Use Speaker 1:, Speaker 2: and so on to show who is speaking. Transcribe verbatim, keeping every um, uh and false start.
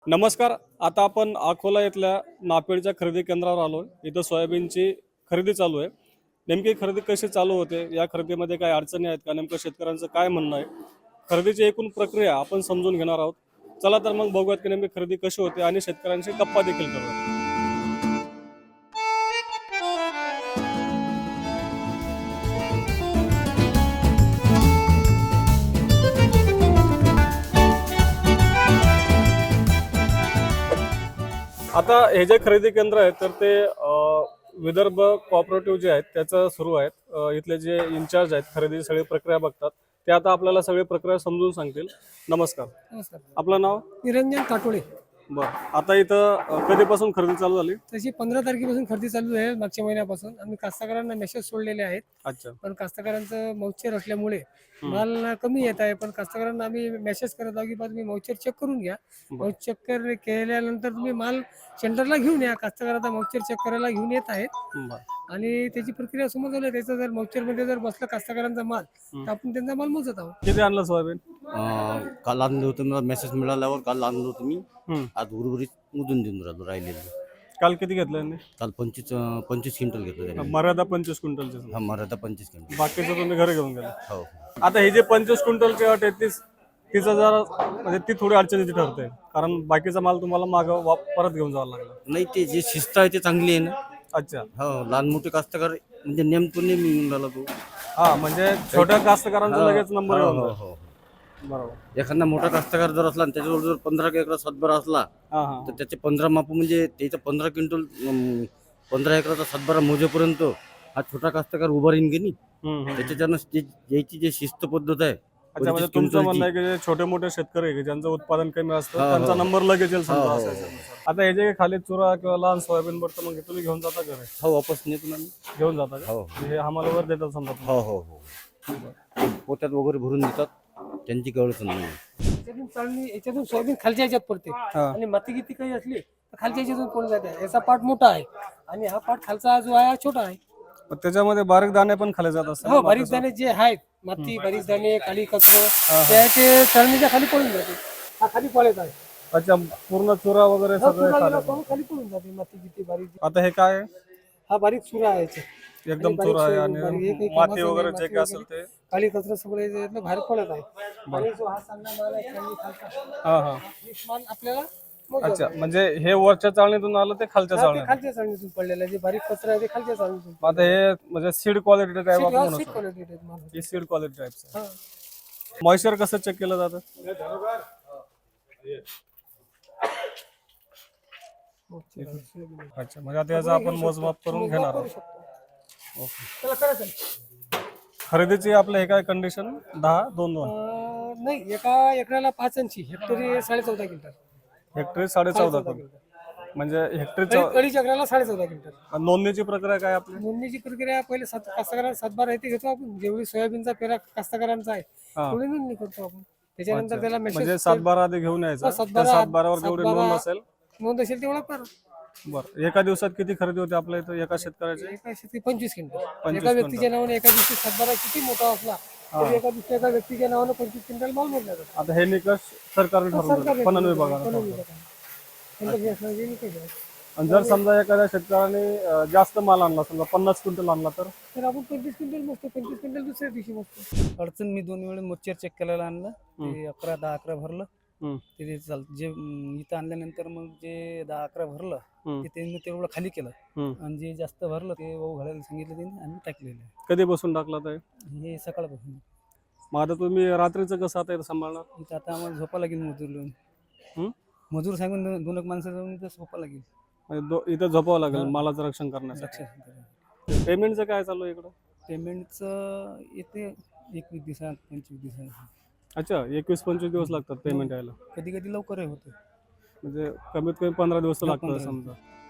Speaker 1: नमस्कार. आता आपण अकोला इथल्या नापेडच्या खरेदी केंद्रावर आलो. इथं सोयाबीनची खरेदी चालू आहे. नेमकी खरेदी कशी चालू होते, या खरेदीमध्ये काही अडचणी आहेत का, नेमकं शेतकऱ्यांचं काय म्हणणं आहे, खरेदीची एकूण प्रक्रिया आपण समजून घेणार आहोत. चला तर मग बघूयात की नेमकी खरेदी कशी होते आणि शेतकऱ्यांशी गप्पा देखील करूयात. आता हे जे खरेदी केंद्र आहे तर ते अ, विदर्भ कोऑपरेटिव्ह जे आहेत त्याचं सुरू आहेत. अ, इथले जे इन्चार्ज आहेत खरेदी सगळी प्रक्रिया बघतात, ते आता आपल्याला सगळी प्रक्रिया समजून सांगतील. नमस्कार.
Speaker 2: नमस्कार.
Speaker 1: आपलं नाव?
Speaker 2: निरंजन काटोळे.
Speaker 1: बरं. आता इथं अ, कधीपासून खरेदी चालू झाली?
Speaker 2: तशी पंधरा तारखेपासून खरेदी चालू आहे. मागच्या महिन्यापासून आम्ही कास्तकारांना मेसेज सोडलेले आहेत.
Speaker 1: अच्छा.
Speaker 2: पण कास्तकारांचं मौचर असल्यामुळे माल कमी येत आहे. पण कास्तकारांना आम्ही मेसेज करत आहोत की बा तुम्ही मौचर चेक करून घ्या. मौचर चेक केल्यानंतर तुम्ही माल सेंटरला घेऊन या. कास्तकार आता मौचर चेक करायला घेऊन येत आहेत
Speaker 1: बरं.
Speaker 2: आणि त्याची प्रक्रिया समोर झाली. त्याचं जर मौचर मध्ये जर बसलं कास्तकारांचा माल तर आपण त्यांचा माल मोजत आहोत.
Speaker 1: किती आणलं सोयाबीन?
Speaker 3: अं, काल आणलं होतं मला मेसेज मिळाल्यावर काल आणलं होतं मी.
Speaker 1: हम्म.
Speaker 3: आज उर्वरित मुदून देऊन राहिलो राहिलेलं.
Speaker 1: काल किती घेतलं यांनी?
Speaker 3: काल पंचवीस अं, पंचवीस क्विंटल घेतलं त्याने.
Speaker 1: मर्यादा पंचवीस क्विंटलचे.
Speaker 3: हा मराठा पंचवीस क्विंटल.
Speaker 1: बाकीचं तुम्ही घरी घेऊन गेला.
Speaker 3: हो
Speaker 1: आता हे जे पंचवीस क्विंटलची अट आहे तीच तिचं जरा म्हणजे ती थोडी अडचणीची ठरते, कारण बाकीचा माल तुम्हाला मागं वा- परत घेऊन जावं लागला.
Speaker 3: नाही ते जे शिस्त आहे ते चांगली आहे ना.
Speaker 1: अच्छा.
Speaker 3: हो लहान मोठे कास्तकार म्हणजे नेमतो नेहमी येऊन राहिला तो.
Speaker 1: हा, म्हणजे छोट्या कास्तकारांचा लगेच नंबर
Speaker 3: हो
Speaker 1: येऊन
Speaker 3: हो
Speaker 1: जातो.
Speaker 3: हो.
Speaker 1: बरोबर.
Speaker 3: एखादा मोठा कास्तकार जर असला आणि त्याच्याजवळ जर पंधरा एकरा सातबारा असला
Speaker 1: हा हा
Speaker 3: तर त्याचे पंधरा माप म्हणजे त्याचं पंधरा क्विंटल अं, पंधरा एकराचा सातबारा मोजेपर्यंत हा छोटा कास्तकार उभा राहीन की नाही.
Speaker 1: हम्म, हम्म.
Speaker 3: त्याच्यानं जे- याची जी शिस्त पद्धत आहे
Speaker 1: अच्छा, म्हणजे
Speaker 3: पंचवीस
Speaker 1: तुमचं
Speaker 3: क्विंटलची.
Speaker 1: म्हणणं आहे की जे छोटे मोठे शेतकरी आहे की ज्यांचं उत्पादन कमी असतं
Speaker 3: हो, हो.
Speaker 1: त्यांचा नंबर लगेच येईल समजा
Speaker 3: हो, हो,
Speaker 1: असायचं.
Speaker 3: हो.
Speaker 1: आता हे जे खाली चुरा किंवा लहान सोयाबीन पडतं मग हे तुम्ही घेऊन जाता का रे?
Speaker 3: हो वापस नेतो ना मी.
Speaker 1: घेऊन जाता का?
Speaker 3: हो
Speaker 1: हे आम्हाला वर देतात समजा तुम्ही?
Speaker 3: हो हो हो पोत्यात वगैरे भरून देतात त्यांची कळत नाही.
Speaker 2: याच्यातून चालणी याच्यातून सोयाबीन खालच्या ह्याच्यात पडते आणि माती गिती काही असली तर खालच्या ह्याच्यातून पडून जाते. याचा पार्ट मोठा आहे आणि हा पार्ट खालचा जो आहे हा छोटा आहे.
Speaker 1: मग त्याच्यामध्ये बारीक दाणे पण खाले जात असतात.
Speaker 2: हो, बारीक दाणे जे आहेत माती बारीक दाणे काळी कचरो त्याचे चालणीच्या खाली पडून जाते. हा खाली पडत आहे.
Speaker 1: अच्छा, पूर्ण चुरा वगैरे
Speaker 2: हा
Speaker 1: सगळे
Speaker 2: चुरा
Speaker 1: खाले.
Speaker 2: गेला पाहून खाली पडून जाते माती गिती बारीक.
Speaker 1: आता हे काय आहे?
Speaker 2: हा बारीक चुरा आहे याचे.
Speaker 1: एकदम
Speaker 2: आणि बारीक
Speaker 1: चुरा आहे
Speaker 2: सोयाबीन, बारीक हे
Speaker 1: आणि
Speaker 2: काही
Speaker 1: माती
Speaker 2: कामाचं
Speaker 1: वगैरे
Speaker 2: नाही,
Speaker 1: जे
Speaker 2: माती
Speaker 1: काय असेल
Speaker 2: वगैरे.
Speaker 1: ते.
Speaker 2: काळी कचरा सगळे याच्यातनं बाहेर पडत आहे. आणि जो हा चांगला माल आहे चांगली खालचा
Speaker 1: हा हा
Speaker 2: हे माल आपल्याला मोजावा.
Speaker 1: अच्छा, म्हणजे हे वरच्या चाळणीतून आलं ते खालच्या
Speaker 2: हा, ते
Speaker 1: चाळणीत.
Speaker 2: खालच्या चाळणीतून पडलेलं आहे. जे बारीक कचरा आहे ते खालच्या चाळणीतून.
Speaker 1: आता हे म्हणजे सीड क्वालिटी टाईप आपण म्हणू
Speaker 2: सीट
Speaker 1: शकतो.
Speaker 2: क्वालिटी आहेत माल.
Speaker 1: ही सीड क्वालिटी टाईप.
Speaker 2: हा.
Speaker 1: मॉइश्चर कसं चेक केलं जातं? अच्छा, म्हणजे आता याचं आपण मोजमाप करून घेणार
Speaker 2: करू
Speaker 1: आहोत.
Speaker 2: शकतो. त्याला करायचं आहे.
Speaker 1: खरेदीची आपलं हे काय कंडिशन? दहा दोन दोन
Speaker 2: अं, नाही, एका एकराला पाच ऐंशी हेक्टरी साडे चौदा क्विंटल.
Speaker 1: हेक्टरी साडे चौदा पण. म्हणजे हेक्टरी
Speaker 2: अडीच एकराला साडे चौदा क्विंटल.
Speaker 1: नोंदणीची प्रक्रिया काय आपली?
Speaker 2: नोंदणीची प्रक्रिया पहिले सात कास्तकारांना सातबारा येते घेतो आपण. जेवढी सोयाबीनचा पेरा कास्तकारांचा आहे
Speaker 1: हा.
Speaker 2: तेवढी नोंदणी करतो आपण. त्याच्यानंतर त्याला
Speaker 1: म्हणजे
Speaker 2: मेसेज
Speaker 1: सातबारा आधी घेऊन यायचा.
Speaker 2: हा,
Speaker 1: त्या
Speaker 2: सातबारा-
Speaker 1: सातबारावर जेवढी
Speaker 2: सातबारा-
Speaker 1: नोंद असेल.
Speaker 2: नोंद असेल तेवढा पर
Speaker 1: बरं, एका दिवसात किती खरेदी होते आपल्या इथं एका शेतकऱ्याची?
Speaker 2: एका शेती पंचवीस क्विंटल.
Speaker 1: पंचवीस
Speaker 2: एका व्यक्तीच्या नावाने एका दिवशी सातबारा किती मोठा असला तरी एका दिवशी एका व्यक्तीच्या नावाने पंचवीस क्विंटल माल मोडला जातो.
Speaker 1: आता हे निकष सरकारने ठरवलं,
Speaker 2: सरकारने
Speaker 1: पणन
Speaker 2: ठरवलं,
Speaker 1: विभागाने
Speaker 2: पणन
Speaker 1: ठरवलं.
Speaker 2: विभागाने. त्यांचं हे असणार जे निकष आहे.
Speaker 1: आणि जर समजा एखाद्या शेतकऱ्याने अं, जास्त माल आणला, समजा पन्नास क्विंटल आणला तर?
Speaker 2: तर आपण पंचवीस क्विंटल मोजतो. पंचवीस क्विंटल दुसऱ्या दिवशी मोजतो.
Speaker 4: अडचण मी दोन वेळा मोच्चर चेक करायला आणलं. ते अकरा दहा अकरा भरलं.
Speaker 1: हम्म.
Speaker 4: ते चालतं. जे अं, इथं आणल्यानंतर मग जे दहा अकरा भरलं
Speaker 1: हम्म.
Speaker 4: ते त्यांनी तेवढं खाली केलं.
Speaker 1: हम्म.
Speaker 4: आणि जे जास्त भरलं ते वाहू घालायला सांगितलं त्यांनी आणि टाकलेलं आहे.
Speaker 1: कधी बसून टाकला तर?
Speaker 4: हे सकाळपासून.
Speaker 1: मग आता तुम्ही रात्रीचं कसं आता इथं सांभाळणार?
Speaker 4: इथं आता आम्हाला झोपा लागेल मजूर लावून.
Speaker 1: हम्म?
Speaker 4: मजूर सांगून दोन दोन एक माणसं जाऊन इथं झोपा लागेल.
Speaker 1: म्हणजे दो- इथं झोपावं लागेल मालाचं रक्षण करण्यासाठी.
Speaker 4: लक्षात
Speaker 1: पेमेंटचं काय चालू आहे इकडं?
Speaker 4: पेमेंटचं येते एकवीस दिवसात पंचवीस दिवसात.
Speaker 1: अच्छा, एकवीस पंचवीस दिवस लागतात पेमेंट यायला.
Speaker 4: कधी कधी लवकरही होतं.
Speaker 1: म्हणजे कमीत कमी पंधरा दिवस तर
Speaker 4: हा,
Speaker 1: लागतात
Speaker 4: पंधरा
Speaker 1: समजा.